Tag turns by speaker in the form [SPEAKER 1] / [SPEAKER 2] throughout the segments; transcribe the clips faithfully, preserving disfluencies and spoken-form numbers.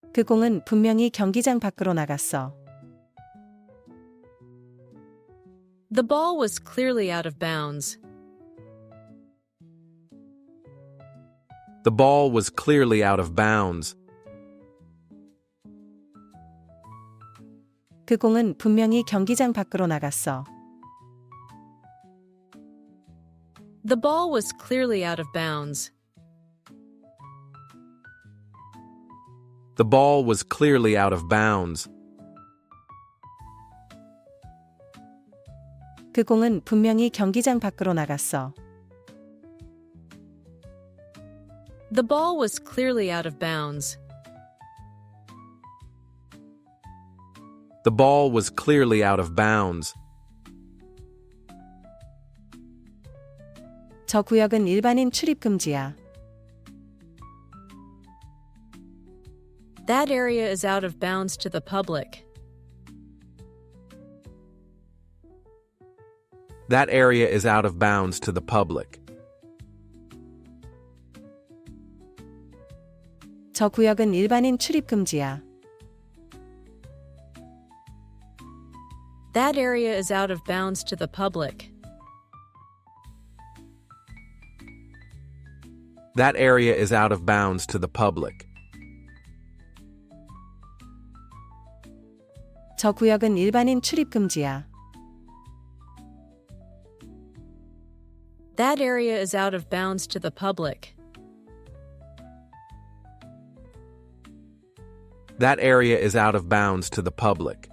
[SPEAKER 1] 그 공은 분명히 경기장 밖으로 나갔어.
[SPEAKER 2] The ball was clearly out of bounds.
[SPEAKER 3] The ball was clearly out of bounds.
[SPEAKER 1] 그 공은 분명히 경기장 밖으로 나갔어.
[SPEAKER 2] The ball was clearly out of bounds.
[SPEAKER 3] The ball was clearly out of bounds.
[SPEAKER 1] 그 공은 분명히 경기장 밖으로 나갔어.
[SPEAKER 2] The ball was clearly out of bounds.
[SPEAKER 3] The ball was clearly out of bounds.
[SPEAKER 1] 저 구역은 일반인 출입 금지야.
[SPEAKER 2] That area is out of bounds to the public.
[SPEAKER 3] That area is out of bounds to the public.
[SPEAKER 1] 저 구역은 일반인 출입 금지야.
[SPEAKER 2] That area is out of bounds to the public.
[SPEAKER 3] That area is out of bounds to the public.
[SPEAKER 1] 저 구역은 일반인 출입 금지야.
[SPEAKER 2] That area is out of bounds to the public.
[SPEAKER 3] That area is out of bounds to the public.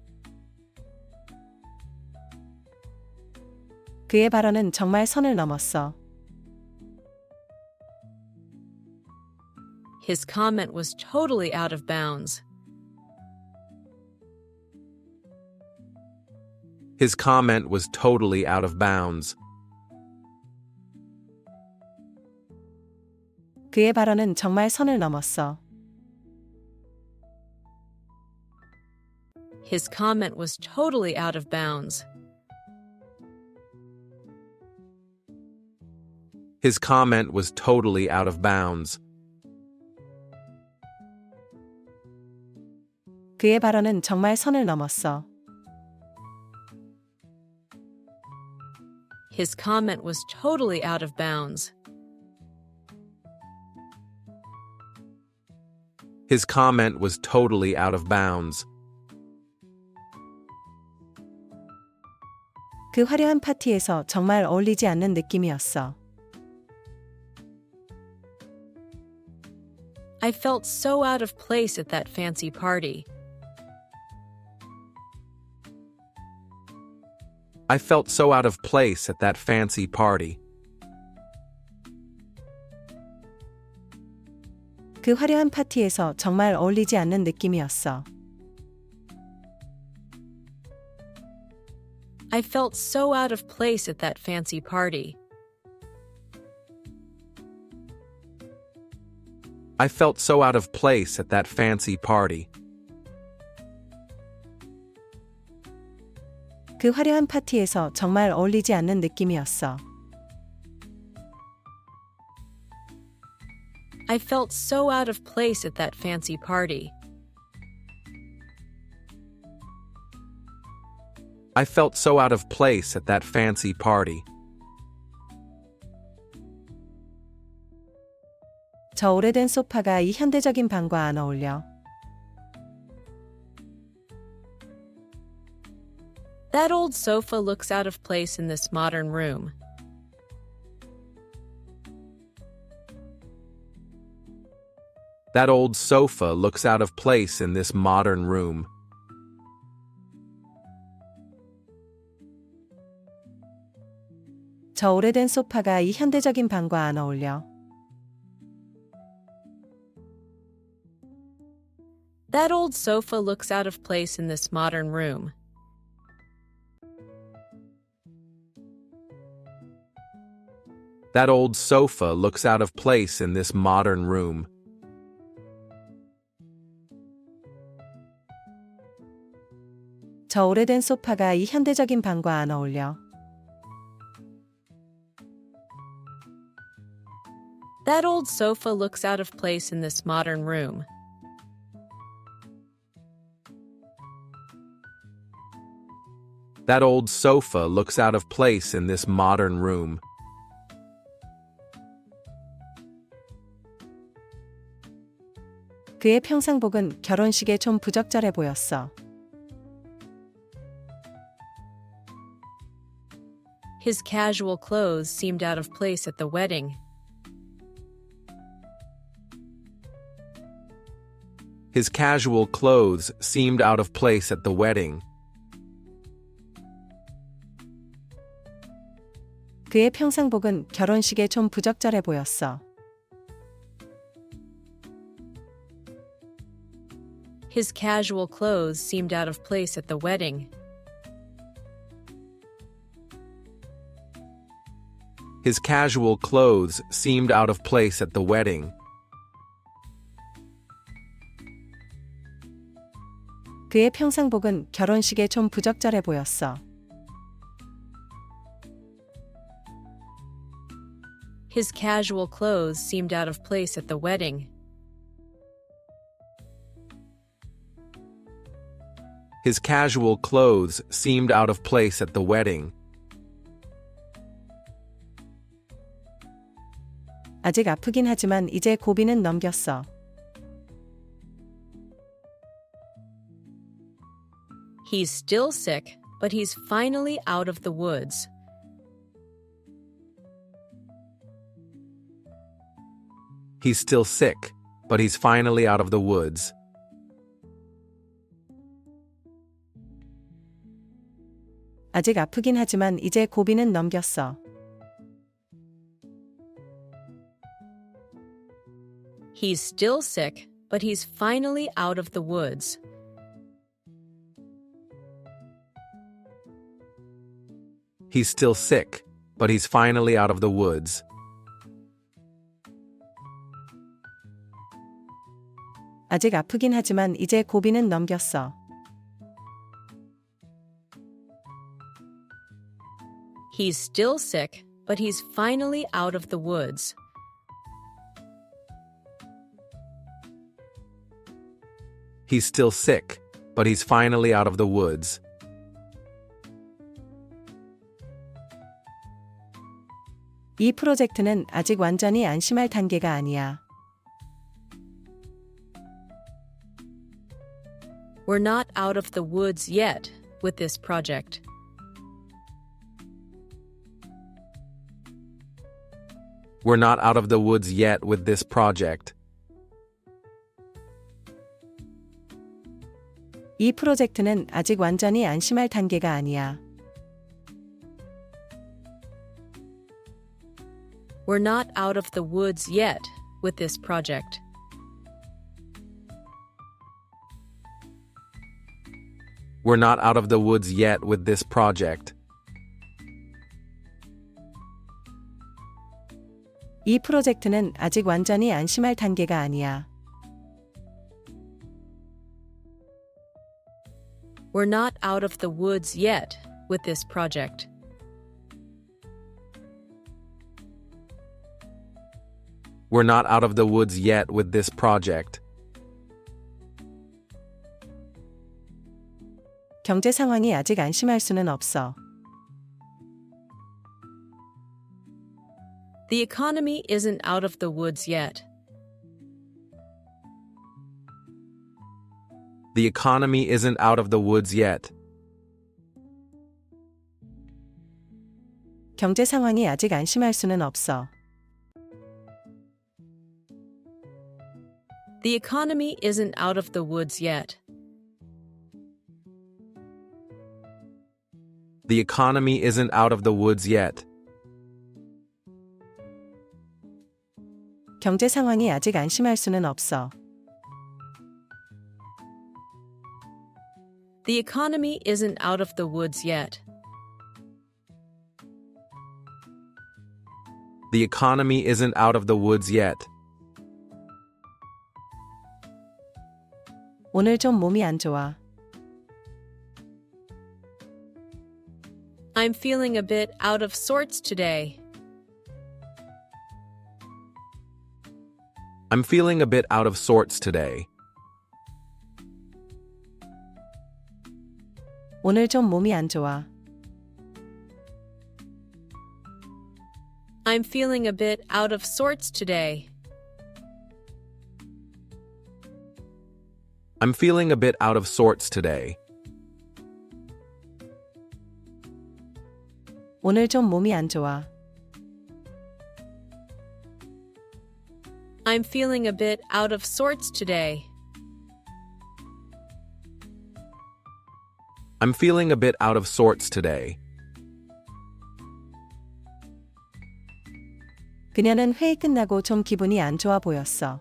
[SPEAKER 1] 그의 발언은 정말 선을 넘었어.
[SPEAKER 2] His comment was totally out of bounds.
[SPEAKER 3] His comment was totally out of bounds.
[SPEAKER 1] 그의 발언은 정말 선을 넘었어.
[SPEAKER 2] His comment was totally out of bounds.
[SPEAKER 3] His comment was totally out of bounds.
[SPEAKER 1] 그의 발언은 정말 선을 넘었어.
[SPEAKER 2] His comment was totally out of bounds.
[SPEAKER 3] His comment was totally out of bounds.
[SPEAKER 1] 그 화려한 파티에서 정말 어울리지 않는 느낌이었어.
[SPEAKER 2] I felt so out of place at that fancy party.
[SPEAKER 3] I felt so out of place at that fancy party.
[SPEAKER 1] 그 화려한 파티에서 정말 어울리지 않는 느낌이었어.
[SPEAKER 2] I felt so out of place at that fancy party.
[SPEAKER 3] I felt so out of place at that fancy party.
[SPEAKER 1] 그 화려한 파티에서 정말 어울리지 않는 느낌이었어.
[SPEAKER 2] I felt so out of place at that fancy party.
[SPEAKER 3] I felt so out of place at that fancy party.
[SPEAKER 1] 저 오래된 소파가 이 현대적인 방과 안 어울려.
[SPEAKER 2] That old sofa looks out of place in this modern room.
[SPEAKER 3] That old sofa looks out of place in this modern room.
[SPEAKER 1] 저 오래된 소파가 이 현대적인 방과 안 어울려.
[SPEAKER 2] That old sofa looks out of place in this modern room.
[SPEAKER 3] That old sofa looks out of place in this modern room.
[SPEAKER 1] 저 오래된 소파가 이 현대적인 방과 안 어울려.
[SPEAKER 2] That old sofa looks out of place in this modern room.
[SPEAKER 3] That old sofa looks out of place in this modern room.
[SPEAKER 1] 그의 평상복은 결혼식에 좀 부적절해 보였어.
[SPEAKER 2] His casual clothes seemed out of place at the wedding.
[SPEAKER 3] His casual clothes seemed out of place at the wedding.
[SPEAKER 1] 그의 평상복은 결혼식에 좀 부적절해 보였어.
[SPEAKER 2] His casual clothes seemed out of place at the wedding.
[SPEAKER 3] His casual clothes seemed out of place at the wedding.
[SPEAKER 1] 그의 평상복은 결혼식에 좀 부적절해 보였어.
[SPEAKER 2] His casual clothes seemed out of place at the wedding.
[SPEAKER 3] His casual clothes seemed out of place at the wedding.
[SPEAKER 1] 아직 아프긴 하지만 이제 고비는 넘겼어.
[SPEAKER 2] He's still sick, but he's finally out of the woods.
[SPEAKER 3] He's still sick, but he's finally out of the woods.
[SPEAKER 1] 아직 아프긴 하지만 이제 고비는 넘겼어.
[SPEAKER 2] He's still sick, but he's finally out of the woods.
[SPEAKER 3] He's still sick, but he's finally out of the woods.
[SPEAKER 1] 아직 아프긴 하지만 이제 고비는 넘겼어.
[SPEAKER 2] He's still sick, but he's finally out of the woods.
[SPEAKER 3] He's still sick, but he's finally out of the woods.
[SPEAKER 1] 이 프로젝트는 아직 완전히 안심할 단계가 아니야.
[SPEAKER 2] We're not out of the woods yet with this project.
[SPEAKER 3] We're not out of the woods yet with this project.
[SPEAKER 1] 이 프로젝트는 아직 완전히 안심할 단계가 아니야.
[SPEAKER 2] We're not out of the woods yet with this project.
[SPEAKER 3] We're not out of the woods yet with this project.
[SPEAKER 1] 이 프로젝트는 아직 완전히 안심할 단계가 아니야.
[SPEAKER 2] We're not out of the woods yet with this project.
[SPEAKER 3] We're not out of the woods yet with this project.
[SPEAKER 1] 경제 상황이 아직 안심할 수는 없어.
[SPEAKER 2] The economy isn't out of the woods yet.
[SPEAKER 3] The economy isn't out of the woods yet.
[SPEAKER 1] 경제 상황이 아직 안심할 수는 없어.
[SPEAKER 2] The economy isn't out of the woods yet.
[SPEAKER 3] The economy isn't out of the woods yet.
[SPEAKER 1] 경제 상황이 아직 안심할 수는 없어.
[SPEAKER 2] The economy isn't out of the woods yet.
[SPEAKER 3] The economy isn't out of the woods yet.
[SPEAKER 1] 오늘 좀 몸이 안 좋아.
[SPEAKER 2] I'm feeling a bit out of sorts today.
[SPEAKER 3] I'm feeling a bit out of sorts today.
[SPEAKER 1] 오늘 좀 몸이 안 좋아.
[SPEAKER 2] I'm feeling a bit out of sorts today.
[SPEAKER 3] I'm feeling a bit out of sorts today.
[SPEAKER 1] 오늘 좀 몸이 안 좋아.
[SPEAKER 2] I'm feeling a bit out of sorts today.
[SPEAKER 3] I'm feeling a bit out of sorts today.
[SPEAKER 1] 그녀는 회의 끝나고 좀 기분이 안 좋아 보였어.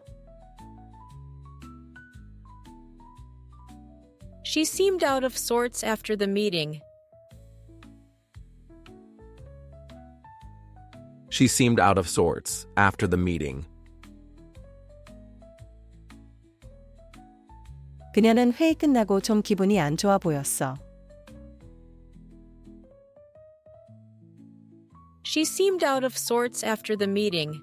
[SPEAKER 2] She seemed out of sorts after the meeting.
[SPEAKER 3] She seemed out of sorts after the meeting.
[SPEAKER 1] 그녀는 회의 끝나고 좀 기분이 안 좋아 보였어.
[SPEAKER 2] She seemed out of sorts after the meeting.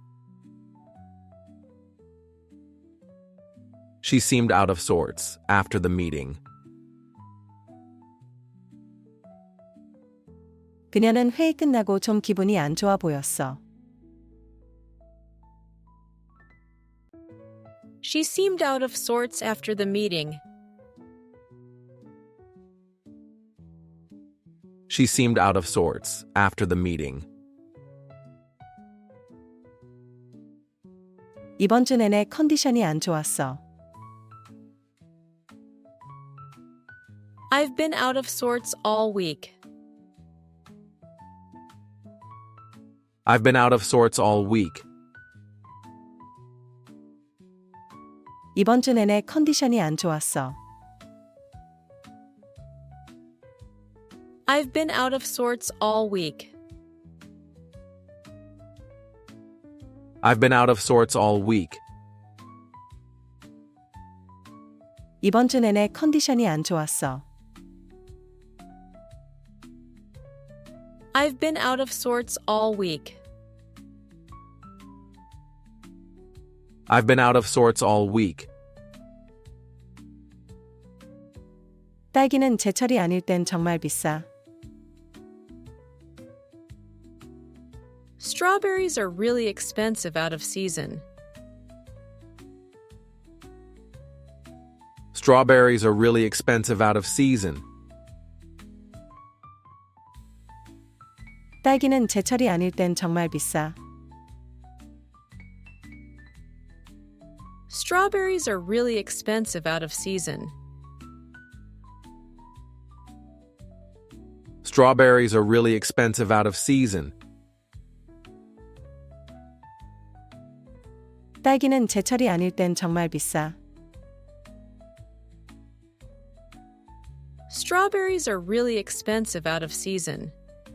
[SPEAKER 3] She seemed out of sorts after the meeting.
[SPEAKER 1] 그녀는 회의 끝나고 좀 기분이 안 좋아 보였어.
[SPEAKER 2] She seemed out of sorts after the meeting.
[SPEAKER 3] She seemed out of sorts after the meeting.
[SPEAKER 1] 이번 주 내내 컨디션이 안 좋았어.
[SPEAKER 2] I've been out of sorts all week.
[SPEAKER 3] I've been out of sorts all week.
[SPEAKER 1] 이번 주 내내 컨디션이 안 좋았어.
[SPEAKER 2] I've been out of sorts all week.
[SPEAKER 3] I've been out of sorts all week.
[SPEAKER 1] 이번 주 내내 컨디션이 안 좋았어.
[SPEAKER 2] I've been out of sorts all week.
[SPEAKER 3] I've been out of sorts all week.
[SPEAKER 1] 딸기는 제철이 아닐 땐 정말 비싸.
[SPEAKER 2] Strawberries are really expensive out of season.
[SPEAKER 3] Strawberries are really expensive out of season.
[SPEAKER 1] 딸기는 제철이 아닐 땐 정말 비싸.
[SPEAKER 2] Strawberries are really expensive out of season.
[SPEAKER 3] Strawberries are really expensive out of season.
[SPEAKER 1] 딸기는 제철이 아닐 땐 정말 비싸.
[SPEAKER 2] Strawberries are really expensive out of season.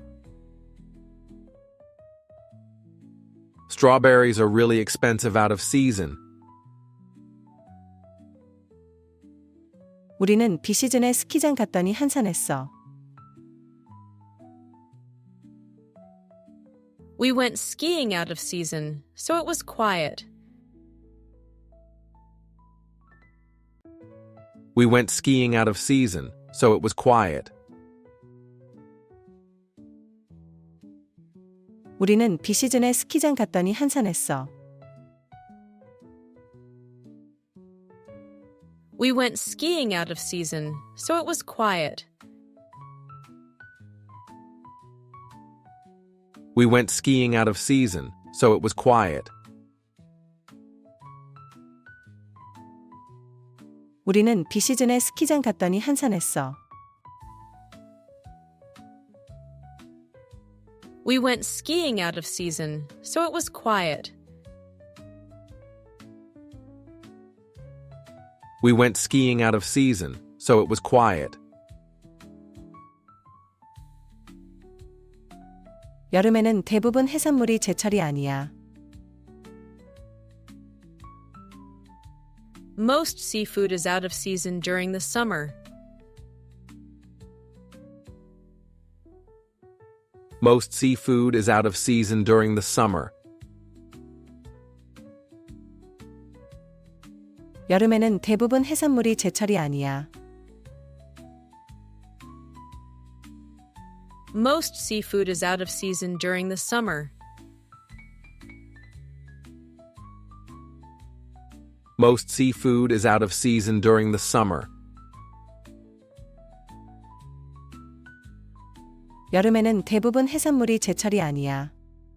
[SPEAKER 3] Strawberries are really expensive out of season.
[SPEAKER 1] 우리는 비시즌에 스키장 갔더니 한산했어.
[SPEAKER 2] We went skiing out of season, so it was quiet.
[SPEAKER 3] We went skiing out of season, so it was quiet.
[SPEAKER 1] 우리는 비시즌에 스키장 갔더니 한산했어.
[SPEAKER 2] We went skiing out of season, so it was quiet.
[SPEAKER 3] We went skiing out of season, so it was quiet.
[SPEAKER 1] 우리는 비시즌에 스키장 갔더니 한산했어.
[SPEAKER 2] We went skiing out of season, so it was quiet.
[SPEAKER 3] We went skiing out of season, so it was quiet.
[SPEAKER 1] 여름에는 대부분 해산물이 제철이 아니야.
[SPEAKER 2] Most seafood is out of season during the summer.
[SPEAKER 3] Most seafood is out of season during the summer.
[SPEAKER 1] 여름에는 대부분 해산물이 제철이 아니야.
[SPEAKER 2] Most seafood is out of season during the summer.
[SPEAKER 3] Most seafood is out of season during the summer.
[SPEAKER 1] 여름에는 대부분 해산물이 제철이 아니야.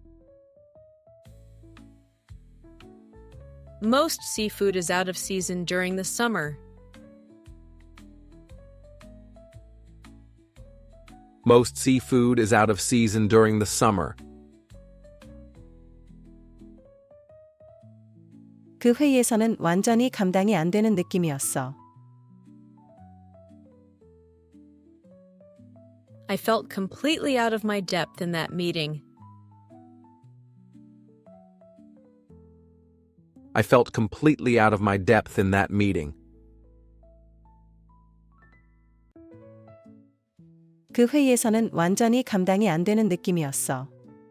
[SPEAKER 2] Most seafood is out of season during the summer.
[SPEAKER 3] Most seafood is out of season during the summer.
[SPEAKER 1] 그 회의에서는 완전히 감당이 안 되는 느낌이었어.
[SPEAKER 2] I felt completely out of my depth in that meeting.
[SPEAKER 3] I felt completely out of my depth in that meeting.
[SPEAKER 1] 그 회의에서는 완전히 감당이 안 되는 느낌이었어.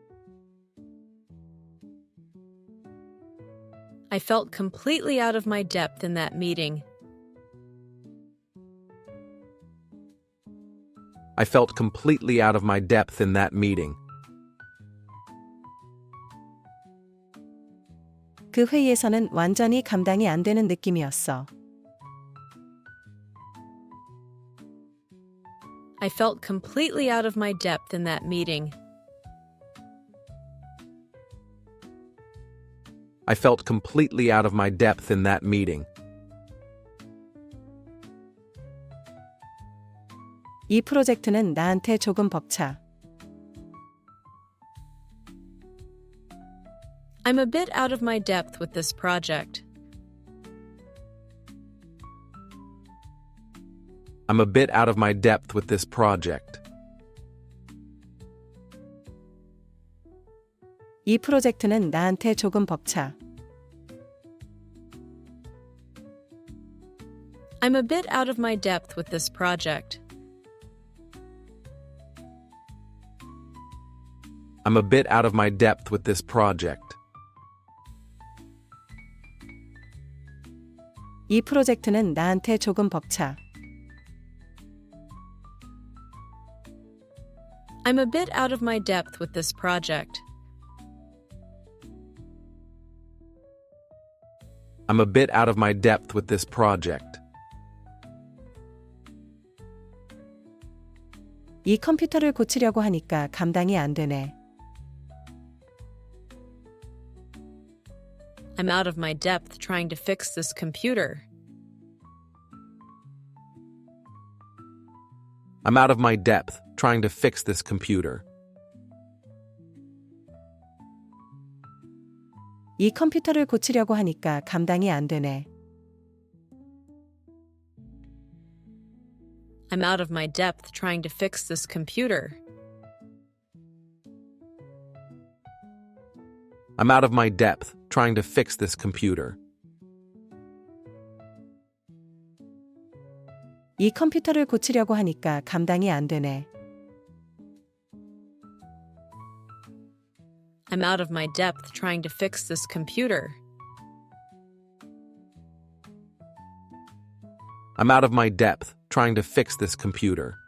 [SPEAKER 2] I felt completely out of my depth in that meeting.
[SPEAKER 3] I felt completely out of my depth in that meeting.
[SPEAKER 1] 그 회의에서는 완전히 감당이 안 되는 느낌이었어.
[SPEAKER 2] I felt completely out of my depth in that meeting.
[SPEAKER 3] I felt completely out of my depth in that meeting.
[SPEAKER 1] 이 프로젝트는 나한테 조금 벅차.
[SPEAKER 2] I'm a bit out of my depth with this project.
[SPEAKER 3] I'm a bit out of my depth with this project.
[SPEAKER 1] 이 프로젝트는 나한테 조금 벅차.
[SPEAKER 2] I'm a bit out of my depth with this project.
[SPEAKER 3] I'm a bit out of my depth with this project.
[SPEAKER 1] 이 프로젝트는 나한테 조금 벅차.
[SPEAKER 2] I'm a bit out of my depth with this project.
[SPEAKER 3] I'm a bit out of my depth with this project.
[SPEAKER 1] 이 컴퓨터를 고치려고 하니까 감당이 안 되네.
[SPEAKER 2] I'm out of my depth trying to fix this computer.
[SPEAKER 3] I'm out of my depth trying to fix this computer.
[SPEAKER 1] 이 컴퓨터를 고치려고 하니까 감당이 안 되네.
[SPEAKER 2] I'm out of my depth trying to fix this computer.
[SPEAKER 3] I'm out of my depth trying to fix this computer.
[SPEAKER 1] 이 컴퓨터를 고치려고 하니까 감당이 안 되네.
[SPEAKER 2] I'm out of my depth trying to fix this computer.
[SPEAKER 3] I'm out of my depth trying to fix this computer.